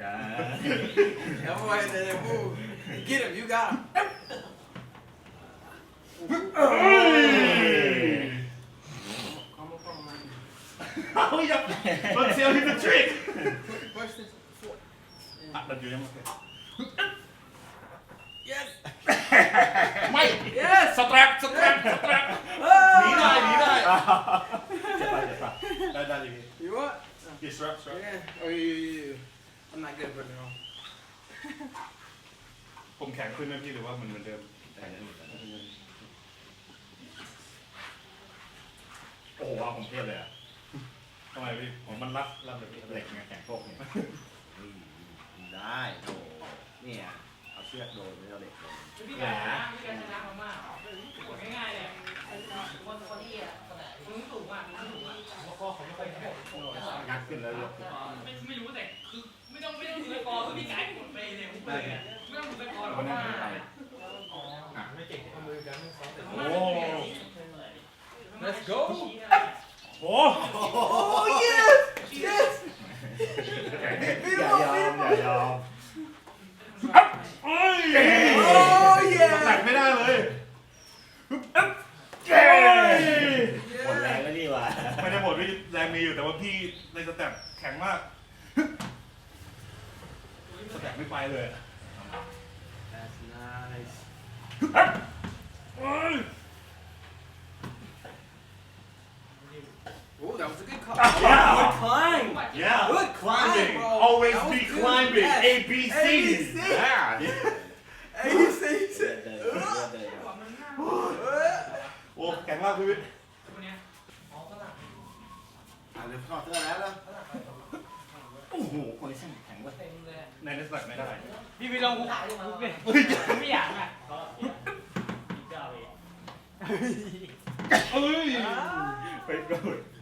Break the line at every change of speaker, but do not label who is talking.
กัน
That boy said move. Get him, you got him.
เอาอย่ามันเซลล์ที่เป็นทริค
Push this foot.
อ่ะมันอยู่ยังไง
Yes.
ไม่
Yes.
สแตรปหนีได้จะไปได้อย่างนี้
You what?
กี่สแตรป
Yeah. Oh, you. I'm not good at putting it on.
ผมแข็งขึ้นไหมพี่หรือว่ามันเหมือนเดิมโอ้โหว่าผมเทพเลยอ่ะทำไมพี่ผมมันรับแบบเหล็กไงแข็งโป๊กเนี่ย
ได้โอ้เนี่ยเอาเชือกโดนไม่เอาเหล็กโดน
พี่แกชนะมากๆกดง่ายๆเลยคนที่มึงสูงอ่ะแล้วก็เขาไม่ค่อยแข็ง
งัดขึ้นแล้วยก
ไม่รู้แต่คือไม่ต้องดูสกอร์คือพี่ไก่หมดไปเลยผมเลยไม่ต้องดูสกอร์หรอกว่าไม่เก่งเอามือกันโอ้
Let's go.
โอ้
Oh, yes. Yes.
อย่ายอม
เอ้ย
Oh,
แตก
yeah.
ไม่ได้เลย
หมดแรงแล้วนี่หว่า
ไม่ได้หมดพี่แรงมีอยู่แต่ว่าพี่ในสแต็ปแข็งมากสแต็ปไม่ไปเลย
That's nice. Oh, that was a good call.
Yeah.
Good climb.
Yeah,
Good
climbing.
climb, bro.
Always
That was
be
good.
climbing.
Yes.
ABC.
ABC.
Yeah.
Hey, you say,
เลือดเดินเลือดเดิน
โอ้แข็งมากพี่วิทย์
คนเนี้ยอ๋อฝรั่ง
เดี๋ยวถอดเสื้อแล้วโอ้โหคนนี้ช่างแข็งเว้ย
เต็มเลย
ในนักสแต็ปไม่ได้
พี่ไปลองคุกเลยไม่อยากอ่ะเจ้าเอง
เอ้ย
ไปโดน